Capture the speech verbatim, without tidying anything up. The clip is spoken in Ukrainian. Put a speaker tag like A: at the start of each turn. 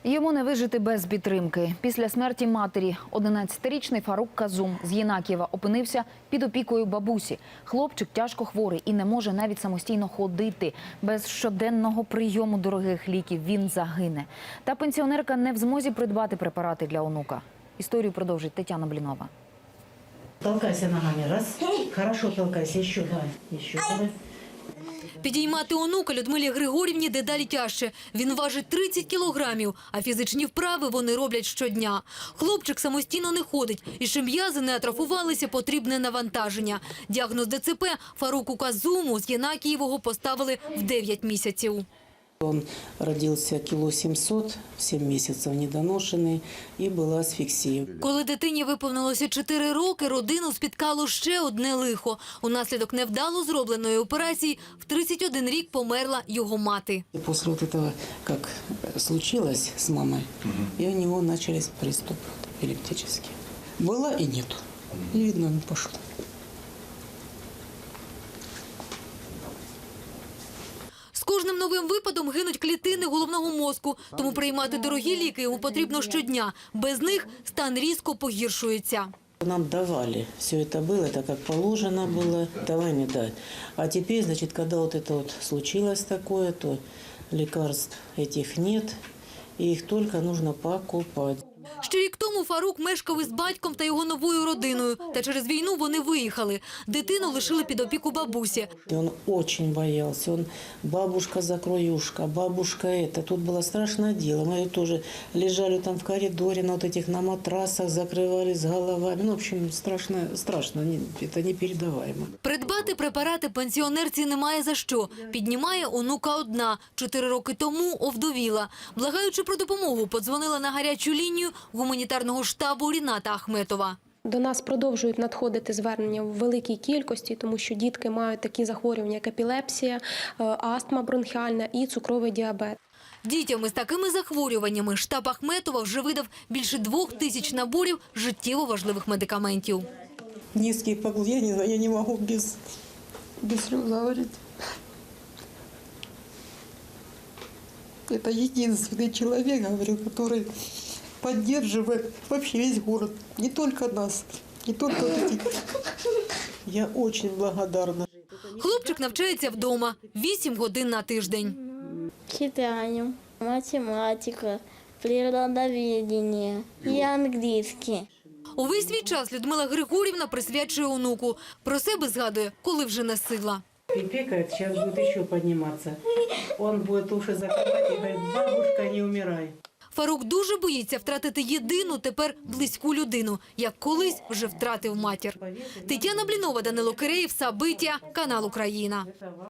A: Йому не вижити без підтримки. Після смерті матері одинадцятирічний Фарук Казум з Єнакієва опинився під опікою бабусі. Хлопчик тяжко хворий і не може навіть самостійно ходити. Без щоденного прийому дорогих ліків він загине. Та пенсіонерка не в змозі придбати препарати для онука. Історію продовжить Тетяна Блінова.
B: Толкайся ногами. Раз. Хорошо толкайся. Ще. Давай. Ще. Давай.
C: Підіймати онука Людмилі Григорівні дедалі тяжче. Він важить тридцять кілограмів, а фізичні вправи вони роблять щодня. Хлопчик самостійно не ходить, і щоб м'язи не атрофувалися, потрібне навантаження. Діагноз ДЦП Фаруку Казуму з Єнакієвого поставили в дев'ять місяців.
D: Он родился кило семьсот, в семь месяцев недоношенный, и была асфиксия.
C: Коли дитині виповнилося чотири роки, родину спіткало ще одне лихо. Унаслідок невдало зробленої операції в тридцять один рік померла його мати.
D: И после вот этого, как случилось с мамой, и у него начались приступы эпилептические. Было и нету. И видно, не пошло.
C: З кожним новим випадом гинуть клітини головного мозку, тому приймати дорогі ліки йому потрібно щодня. Без них стан різко погіршується.
D: Нам давали, все это было, это как положено было, давай не дай. А теперь, значит, когда вот это вот случилось такое, то лекарств этих нет, и их только нужно покупать.
C: Ще рік тому Фарук мешкав із батьком та його новою родиною. Та через війну вони виїхали. Дитину лишили під опіку бабусі.
D: И он очень боялся. Он бабушка-закроюшка, бабушка это. Тут было страшное дело. Мы тоже лежали там в коридоре на вот этих на матрасах, закрывались головами. Ну, в общем, страшно, страшно. Это непередаваемо.
C: Придбати препарати пенсіонерці немає за що. Піднімає онука одна. Чотири роки тому овдовіла. Благаючи про допомогу, подзвонила на гарячу лінію гуманітарного штабу Ріната Ахметова.
E: До нас продовжують надходити звернення в великій кількості, тому що дітки мають такі захворювання, як епілепсія, астма бронхіальна і цукровий діабет.
C: Дітям із такими захворюваннями штаб Ахметова вже видав більше двох тисяч наборів життєво важливих медикаментів.
D: Низкий поклон, я не знаю, я не могу без, без слез говорить. Это единственный человек, говорю, который поддерживает вообще весь город, не только нас, не только вот эти. Я очень благодарна.
C: Хлопчик навчається вдома вісім годин на тиждень.
F: Читаю, математика, природоведение и английский.
C: Увесь свій час Людмила Григорівна присвячує онуку. Про себе згадує, коли вже не сила.
D: Пипекает, сейчас будет еще подниматься. Он будет уши закрывать и говорит: бабушка, не умирай.
C: Фарук дуже боїться втратити єдину тепер близьку людину, як колись вже втратив матір. Тетяна Блінова, Данило Киреєв, Сабиття, канал Україна.